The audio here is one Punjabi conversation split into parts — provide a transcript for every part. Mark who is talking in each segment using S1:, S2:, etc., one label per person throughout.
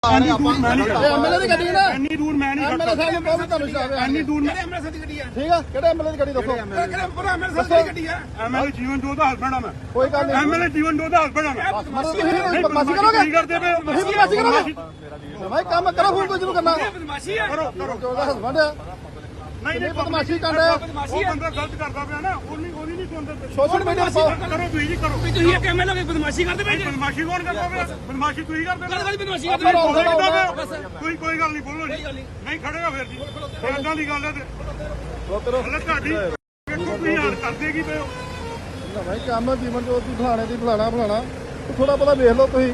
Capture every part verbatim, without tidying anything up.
S1: ਇੰਨੀ ਦੂਰ ਮੈਂ ਨਹੀਂ ਖੜਾ।
S2: ਐਮਐਲਏ ਦੀ ਗੱਡੀ ਨਾ
S1: ਇੰਨੀ ਦੂਰ ਮੈਂ ਨਹੀਂ
S2: ਐਮਐਲਏ ਸਾਹਿਬ ਨੂੰ ਬਹੁਤ ਤੁਹਾਨੂੰ ਸ਼ਰਾਬ ਹੈ।
S1: ਇੰਨੀ ਦੂਰ
S3: ਕਿਹੜੇ ਐਮਐਲਏ ਦੀ ਗੱਡੀ ਆ?
S2: ਠੀਕ ਆ, ਕਿਹੜੇ ਐਮਐਲਏ ਦੀ ਗੱਡੀ ਦੱਸੋ।
S3: ਕਿਹੜੇ ਪੂਰਾ ਐਮਐਲਏ ਦੀ ਗੱਡੀ ਆ?
S1: ਐਮਐਲਏ ਜੀਵਨ ਜੋਤ ਦਾ ਹਸਬੈਂਡ ਆ ਮੈਂ।
S2: ਕੋਈ ਗੱਲ ਨਹੀਂ,
S1: ਐਮਐਲਏ ਜੀਵਨ ਜੋਤ ਦਾ ਹਸਬੈਂਡ ਆ ਮੈਂ।
S2: ਮਤਲਬ ਤੁਸੀਂ
S1: ਨਹੀਂ,
S2: ਬਦਮਾਸ਼ੀ ਕਰੋਗੇ।
S1: ਕੀ ਕਰਦੇ ਪਏ ਹੋ?
S2: ਤੁਸੀਂ ਬਦਮਾਸ਼ੀ ਕਰੋਗੇ। ਭਾਈ ਕੰਮ ਕਰੋ, ਫੋਨ ਤੋਂ ਜਿਹਨੂੰ ਕਰਨਾ।
S3: ਬਦਮਾਸ਼ੀ ਆ।
S1: ਕਰੋ ਕਰੋ
S2: ਜੋ ਦਾ ਹਸਬੰਡ ਆ,
S1: ਨਹੀਂ ਨਹੀਂ
S2: ਬਦਮਾਸ਼ੀ ਕਰ ਰਿਹਾ।
S1: ਉਹ ਬੰਦਾ ਗਲਤ ਕਰਦਾ ਪਿਆ ਨਾ, ਉਹਨੀ ਉਹਨੀ ਨਹੀਂ ਸੁਣਦੇ ਪਏ।
S2: ਸੋਸ਼ਲ ਮੀਡੀਆ ਤੇ ਪਾਓ।
S1: ਕਰੋ ਤੁਸੀਂ ਜੀ ਕਰੋ।
S3: ਵੀ ਤੁਸੀਂ ਇੱਕ ਐਮਐਲਏ ਦੀ ਬਦਮਾਸ਼ੀ ਕਰਦੇ ਪਏ ਜੀ।
S1: ਬਦਮਾਸ਼ੀ ਕੌਣ ਕਰਦਾ ਪਿਆ? ਬਦਮਾਸ਼ੀ ਤੁਸੀਂ ਕਰਦੇ
S3: ਗੱਲ
S1: ਪਏ।
S3: ਗੱਲ ਬਦਮਾਸ਼ੀ
S2: ਆਪਾਂ
S3: ਕਰਦੇ
S2: ਰੌਂਗ
S3: ਪਏ।
S2: ਸਾਈਡ
S1: ਬਸ ਕੋਈ ਕੋਈ ਗੱਲ ਨਹੀਂ, ਬੋਲੋ ਜੀ। ਨਹੀਂ ਖੜੇਗਾ ਫਿਰ ਜੀ, ਇਦਾਂ ਦੀ ਗੱਲ ਹੈ ਤੇ
S2: ਰੋਤਰੋ
S1: ਹਲੇ ਤੁਹਾਡੀ ਵੇਖੋ ਤੁਸੀਂ ਹਾਲ ਕਰਦੇ ਕੀ ਪਏ ਹੋ।
S2: ਨਾ ਭਾਈ ਕੰਮ ਜੀਵਨ ਜੋਤ ਦੀ ਫਲਾਣੇ ਦੀ ਫਲਾਣਾ ਫਲਾਣਾ ਥੋੜਾ ਬਹੁਤਾ ਵੇਖ ਲਓ ਤੁਸੀਂ।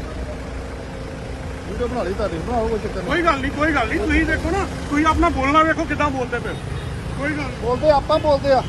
S2: ਵੀਡੀਓ ਬਣਾ ਲਈ ਤੁਹਾਡੀ, ਬਣਾਓ, ਕੋਈ ਚੱਕਰ ਨਹੀਂ।
S1: ਕੋਈ ਗੱਲ ਨਹੀਂ ਕੋਈ ਗੱਲ ਨਹੀਂ, ਤੁਸੀਂ ਦੇਖੋ ਨਾ, ਤੁਸੀਂ ਆਪਣਾ ਬੋਲਣਾ ਵੇਖੋ ਕਿੱਦਾਂ ਬੋਲਦੇ ਪਏ ਹੋ। ਕੋਈ ਗੱਲ ਨਹੀਂ।
S2: ਬੋਲਦੇ ਆਪਾਂ ਬੋਲਦੇ ਆ।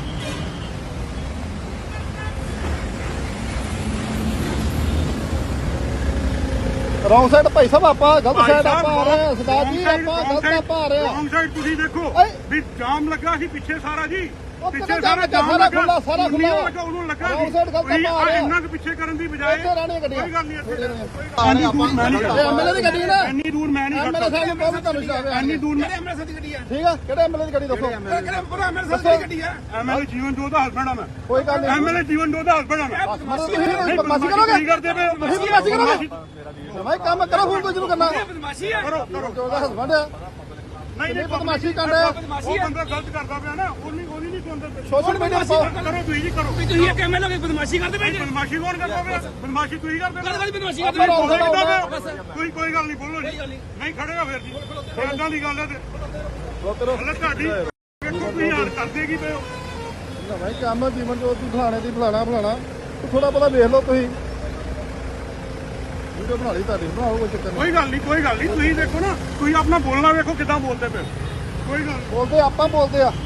S2: ਰੌਂਗ ਸਾਈਡ ਭਾਈ ਸਾਹਿਬ, ਆਪਾਂ ਗਲਤ ਸਾਈਡ ਆਪਾਂ ਆ ਰਹੇ ਹਾਂ। ਸਰਦਾਰ ਜੀ ਆਪਾਂ ਗਲਤ ਆਪਾਂ ਆ ਰਹੇ ਹਾਂ।
S1: ਰੌਂਗ ਸਾਈਡ ਤੁਸੀਂ ਦੇਖੋ
S2: ਓਏ।
S1: ਵੀ ਜਾਮ ਲੱਗਾ ਸੀ ਪਿੱਛੇ ਸਾਰਾ ਜੀ,
S2: ਉਹ
S1: ਪਿੱਛੇ
S2: ਕਿਹੜਾ
S1: ਸਾਰਾ
S2: ਜਾਮ
S1: ਜਾਮ
S2: ਲੱਗਾ?
S1: ਲੱਗਾ,
S2: ਸਾਰਾ ਖੁੱਲਾ, ਸਾਰਾ
S1: ਉਹਨੂੰ
S2: ਖੁੱਲਾ।
S1: ਲੱਗਾ, ਉਹਨੂੰ ਲੱਗਾ
S2: ਰੌਂਗ ਸਾਈਡ ਗਲਤ
S1: ਤੁਸੀਂ
S2: ਆਪਾਂ ਆ ਰਹੇ ਹਾਂ।
S1: ਇੰਨਾ ਕੁ ਪਿੱਛੇ ਕਰਨ ਦੀ ਬਜਾਏ
S2: ਇੱਥੇ ਰਹਿਣੀਆਂ ਗੱਡੀਆਂ।
S1: ਕੋਈ ਗੱਲ ਨਹੀਂ, ਇੱਥੇ
S2: ਇੰਨੀ
S1: ਇੰਨੀ ਦੂਰ ਮੈਂ ਨਹੀਂ ਖੜਾ।
S2: ਐਮਐਲਏ ਦੀ ਗੱਡੀ ਨਾ
S1: ਇੰਨੀ ਦੂਰ ਮੈਂ ਨਹੀਂ
S2: ਐਮਐਲਏ ਸਾਹਿਬ ਨੂੰ ਬਹੁਤ ਤੁਹਾਨੂੰ ਸ਼ਰਾਬ ਹੈ।
S1: ਇੰਨੀ ਦੂਰ
S3: ਕਿਹੜੇ ਐਮਐਲਏ ਦੀ ਗੱਡੀ ਆ?
S2: ਠੀਕ ਆ, ਕਿਹੜੇ ਐਮਐਲਏ ਦੀ ਗੱਡੀ ਦੱਸੋ।
S3: ਕਿਹੜੇ ਪੂਰਾ ਐਮਐਲਏ ਦੀ ਗੱਡੀ ਆ?
S1: ਐਮਐਲਏ ਜੀਵਨ ਜੋਤ ਦਾ ਹਸਬੈਂਡ ਆ ਮੈਂ।
S2: ਕੋਈ ਗੱਲ ਨਹੀਂ,
S1: ਐਮਐਲਏ ਜੀਵਨ ਜੋਤ ਦਾ ਹਸਬੈਂਡ ਆ ਮੈਂ।
S2: ਮਤਲਬ ਤੁਸੀਂ ਬਦਮਾਸ਼ੀ ਕਰੋਗੇ।
S1: ਕੀ ਕਰਦੇ ਪਏ ਹੋ?
S2: ਤੁਸੀਂ ਬਦਮਾਸ਼ੀ ਕਰੋਗੇ। ਭਾਈ ਕੰਮ ਕਰੋ, ਫੋਨ ਤੋਂ ਜਿਹਨੂੰ ਕਰਨਾ।
S3: ਬਦਮਾਸ਼ੀ ਆ।
S1: ਕਰੋ ਕਰੋ
S2: ਜੋ ਦਾ ਹਸਬੰਡ ਆ,
S1: ਨਹੀਂ ਨਹੀਂ
S2: ਬਦਮਾਸ਼ੀ ਕਰ ਰਿਹਾ।
S1: ਉਹ ਬੰਦਾ ਗਲਤ ਕਰਦਾ ਪਿਆ ਨਾ, ਉਹਨੀ ਉਹਨੀ ਨਹੀਂ ਸੁਣਦੇ ਪਏ।
S2: ਸੋਸ਼ਲ ਮੀਡੀਆ ਤੇ ਪਾਓ।
S1: ਕਰੋ ਤੁਸੀਂ ਜੀ ਕਰੋ।
S3: ਵੀ ਤੁਸੀਂ ਇੱਕ ਐਮਐਲਏ ਦੀ ਬਦਮਾਸ਼ੀ ਕਰਦੇ ਪਏ ਜੀ।
S1: ਬਦਮਾਸ਼ੀ ਕੌਣ ਕਰਦਾ ਪਿਆ? ਬਦਮਾਸ਼ੀ ਤੁਸੀਂ ਕਰਦੇ
S3: ਗੱਲ
S1: ਪਏ।
S3: ਗੱਲ ਬਦਮਾਸ਼ੀ
S2: ਆਪਾਂ
S3: ਕਰਦੇ
S2: ਰੌਂਗ
S3: ਪਏ।
S2: ਸਾਈਡ
S1: ਬਸ ਕੋਈ ਕੋਈ ਗੱਲ ਨਹੀਂ, ਬੋਲੋ ਜੀ। ਨਹੀਂ ਖੜੇਗਾ ਫਿਰ ਜੀ, ਇਦਾਂ ਦੀ ਗੱਲ ਹੈ ਤੇ
S2: ਰੋਤਰੋ
S1: ਹਲੇ ਤੁਹਾਡੀ ਵੇਖੋ ਤੁਸੀਂ ਹਾਲ ਕਰਦੇ ਕੀ ਪਏ ਹੋ।
S2: ਨਾ ਭਾਈ ਕੰਮ ਜੀਵਨ ਜੋਤ ਦੀ ਫਲਾਣੇ ਦੀ ਫਲਾਣਾ ਫਲਾਣਾ ਥੋੜਾ ਬਹੁਤਾ ਵੇਖ ਲਓ ਤੁਸੀਂ। ਵੀਡੀਓ ਬਣਾ ਲਈ ਤੁਹਾਡੀ, ਬਣਾਓ, ਕੋਈ ਚੱਕਰ ਨਹੀਂ।
S1: ਕੋਈ ਗੱਲ ਨਹੀਂ ਕੋਈ ਗੱਲ ਨਹੀਂ, ਤੁਸੀਂ ਦੇਖੋ ਨਾ, ਤੁਸੀਂ ਆਪਣਾ ਬੋਲਣਾ ਵੇਖੋ ਕਿੱਦਾਂ ਬੋਲਦੇ ਪਏ ਹੋ। ਕੋਈ ਗੱਲ ਨਹੀਂ।
S2: ਬੋਲਦੇ ਆਪਾਂ ਬੋਲਦੇ ਆ।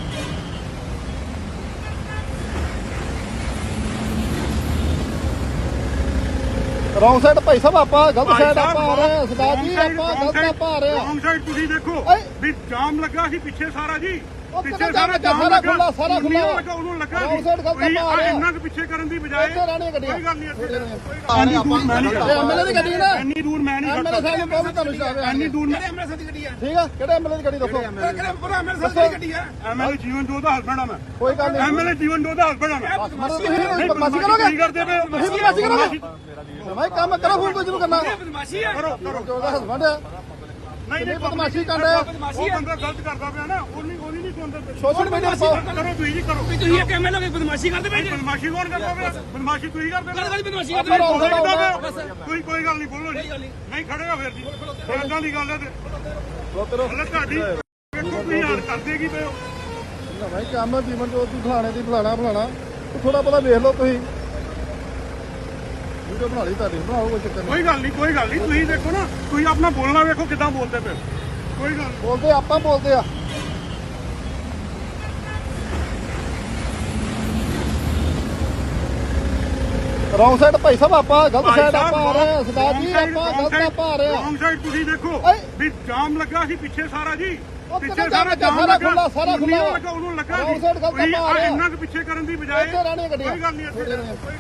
S2: ਰੌਂਗ ਸਾਈਡ ਭਾਈ ਸਾਹਿਬ, ਆਪਾਂ ਗਲਤ ਸਾਈਡ ਆਪਾਂ ਆ ਰਹੇ ਹਾਂ। ਸਰਦਾਰ ਜੀ ਆਪਾਂ ਗਲਤ ਆਪਾਂ ਆ ਰਹੇ ਹਾਂ।
S1: ਰੌਂਗ ਸਾਈਡ ਤੁਸੀਂ ਦੇਖੋ
S2: ਓਏ।
S1: ਵੀ ਜਾਮ ਲੱਗਾ ਸੀ ਪਿੱਛੇ ਸਾਰਾ ਜੀ,
S2: ਉਹ
S1: ਪਿੱਛੇ
S2: ਕਿਹੜਾ
S1: ਸਾਰਾ
S2: ਜਾਮ
S1: ਜਾਮ
S2: ਲੱਗਾ?
S1: ਲੱਗਾ,
S2: ਸਾਰਾ ਖੁੱਲਾ, ਸਾਰਾ
S1: ਉਹਨੂੰ
S2: ਖੁੱਲਾ।
S1: ਲੱਗਾ, ਉਹਨੂੰ ਲੱਗਾ
S2: ਰੌਂਗ ਸਾਈਡ ਗਲਤ
S1: ਤੁਸੀਂ
S2: ਆਪਾਂ ਆ ਰਹੇ ਹਾਂ।
S1: ਇੰਨਾ ਕੁ ਪਿੱਛੇ ਕਰਨ ਦੀ ਬਜਾਏ
S2: ਇੱਥੇ ਰਹਿਣੀਆਂ ਗੱਡੀਆਂ।
S1: ਕੋਈ ਗੱਲ ਨਹੀਂ, ਇੱਥੇ
S2: ਇੰਨੀ
S1: ਇੰਨੀ ਦੂਰ ਮੈਂ ਨਹੀਂ ਖੜਾ।
S2: ਐਮਐਲਏ ਦੀ ਗੱਡੀ ਨਾ
S1: ਇੰਨੀ ਦੂਰ ਮੈਂ ਨਹੀਂ
S2: ਐਮਐਲਏ ਸਾਹਿਬ ਨੂੰ ਬਹੁਤ ਤੁਹਾਨੂੰ ਸ਼ਰਾਬ ਹੈ।
S1: ਇੰਨੀ ਦੂਰ
S3: ਕਿਹੜੇ ਐਮਐਲਏ ਦੀ ਗੱਡੀ ਆ?
S2: ਠੀਕ ਆ, ਕਿਹੜੇ ਐਮਐਲਏ ਦੀ ਗੱਡੀ ਦੱਸੋ।
S3: ਕਿਹੜੇ ਪੂਰਾ ਐਮਐਲਏ ਦੀ ਗੱਡੀ ਆ?
S1: ਐਮਐਲਏ ਜੀਵਨ ਜੋਤ ਦਾ ਹਸਬੈਂਡ ਆ ਮੈਂ।
S2: ਕੋਈ ਗੱਲ ਨਹੀਂ,
S1: ਐਮਐਲਏ ਜੀਵਨ ਜੋਤ ਦਾ ਹਸਬੈਂਡ ਆ ਮੈਂ।
S2: ਮਤਲਬ ਤੁਸੀਂ ਬਦਮਾਸ਼ੀ ਕਰੋਗੇ।
S1: ਕੀ ਕਰਦੇ ਪਏ ਹੋ?
S2: ਤੁਸੀਂ ਬਦਮਾਸ਼ੀ ਕਰੋਗੇ। ਭਾਈ ਕੰਮ ਕਰੋ, ਫੋਨ ਤੋਂ ਜਿਹਨੂੰ ਕਰਨਾ।
S3: ਬਦਮਾਸ਼ੀ ਆ।
S1: ਕਰੋ ਕਰੋ
S2: ਜੋ ਦਾ ਹਸਬੰਡ ਆ,
S1: ਨਹੀਂ ਨਹੀਂ
S2: ਬਦਮਾਸ਼ੀ ਕਰ ਰਿਹਾ।
S1: ਉਹ ਬੰਦਾ ਗਲਤ ਕਰਦਾ ਪਿਆ ਨਾ, ਉਹਨੀ ਉਹਨੀ ਨਹੀਂ ਸੁਣਦੇ ਪਏ।
S2: ਸੋਸ਼ਲ ਮੀਡੀਆ ਤੇ ਪਾਓ।
S1: ਕਰੋ ਤੁਸੀਂ ਜੀ ਕਰੋ।
S3: ਵੀ ਤੁਸੀਂ ਇੱਕ ਐਮਐਲਏ ਦੀ ਬਦਮਾਸ਼ੀ ਕਰਦੇ ਪਏ ਜੀ।
S1: ਬਦਮਾਸ਼ੀ ਕੌਣ ਕਰਦਾ ਪਿਆ? ਬਦਮਾਸ਼ੀ ਤੁਸੀਂ ਕਰਦੇ
S3: ਗੱਲ
S1: ਪਏ।
S3: ਗੱਲ ਬਦਮਾਸ਼ੀ
S2: ਆਪਾਂ
S3: ਕਰਦੇ
S2: ਰੌਂਗ
S3: ਪਏ।
S2: ਸਾਈਡ ਆਉਂਦਾ।
S1: ਕੋਈ ਕੋਈ ਗੱਲ ਨਹੀਂ, ਬੋਲੋ ਜੀ। ਨਹੀਂ ਖੜੇਗਾ ਫਿਰ ਜੀ, ਇਦਾਂ ਦੀ ਗੱਲ ਹੈ ਤੇ
S2: ਰੋਤਰੋ
S1: ਹਲੇ ਤੁਹਾਡੀ ਵੇਖੋ ਤੁਸੀਂ ਹਾਲ ਕਰਦੇ ਕੀ ਪਏ ਹੋ।
S2: ਨਾ ਭਾਈ ਕੰਮ ਜੀਵਨ ਜੋਤ ਦੀ ਫਲਾਣੇ ਦੀ ਫਲਾਣਾ ਫਲਾਣਾ ਥੋੜਾ ਬਹੁਤਾ ਵੇਖ ਲਓ ਤੁਸੀਂ। ਵੀਡੀਓ ਬਣਾ ਲਈ ਤੁਹਾਡੀ, ਬਣਾਓ, ਕੋਈ ਚੱਕਰ ਨਹੀਂ।
S1: ਕੋਈ ਗੱਲ ਨਹੀਂ ਕੋਈ ਗੱਲ ਨਹੀਂ, ਤੁਸੀਂ ਦੇਖੋ ਨਾ, ਤੁਸੀਂ ਆਪਣਾ ਬੋਲਣਾ ਵੇਖੋ ਕਿੱਦਾਂ ਬੋਲਦੇ ਪਏ ਹੋ। ਕੋਈ ਗੱਲ ਨਹੀਂ।
S2: ਬੋਲਦੇ ਆਪਾਂ ਬੋਲਦੇ ਆ। ਰੌਂਗ ਸਾਈਡ ਭਾਈ ਸਾਹਿਬ, ਆਪਾਂ ਗਲਤ ਸਾਈਡ ਆਪਾਂ ਆ ਰਹੇ ਹਾਂ। ਸਰਦਾਰ ਜੀ ਆਪਾਂ ਗਲਤ ਆਪਾਂ ਆ ਰਹੇ ਹਾਂ।
S1: ਰੌਂਗ ਸਾਈਡ ਤੁਸੀਂ ਦੇਖੋ
S2: ਓਏ।
S1: ਵੀ ਜਾਮ ਲੱਗਾ ਸੀ ਪਿੱਛੇ ਸਾਰਾ ਜੀ,
S2: ਉਹ
S1: ਪਿੱਛੇ
S2: ਕਿਹੜਾ
S1: ਸਾਰਾ
S2: ਜਾਮ
S1: ਜਾਮ
S2: ਲੱਗਾ?
S1: ਲੱਗਾ,
S2: ਸਾਰਾ ਖੁੱਲਾ, ਸਾਰਾ
S1: ਉਹਨੂੰ
S2: ਖੁੱਲਾ।
S1: ਲੱਗਾ, ਉਹਨੂੰ ਲੱਗਾ
S2: ਰੌਂਗ ਸਾਈਡ ਗਲਤ
S1: ਤੁਸੀਂ
S2: ਆਪਾਂ ਆ ਰਹੇ ਹਾਂ।
S1: ਇੰਨਾ ਕੁ ਪਿੱਛੇ ਕਰਨ ਦੀ ਬਜਾਏ
S2: ਇੱਥੇ ਰਹਿਣੀਆਂ ਗੱਡੀਆਂ।
S1: ਕੋਈ ਗੱਲ ਨਹੀਂ, ਇੱਥੇ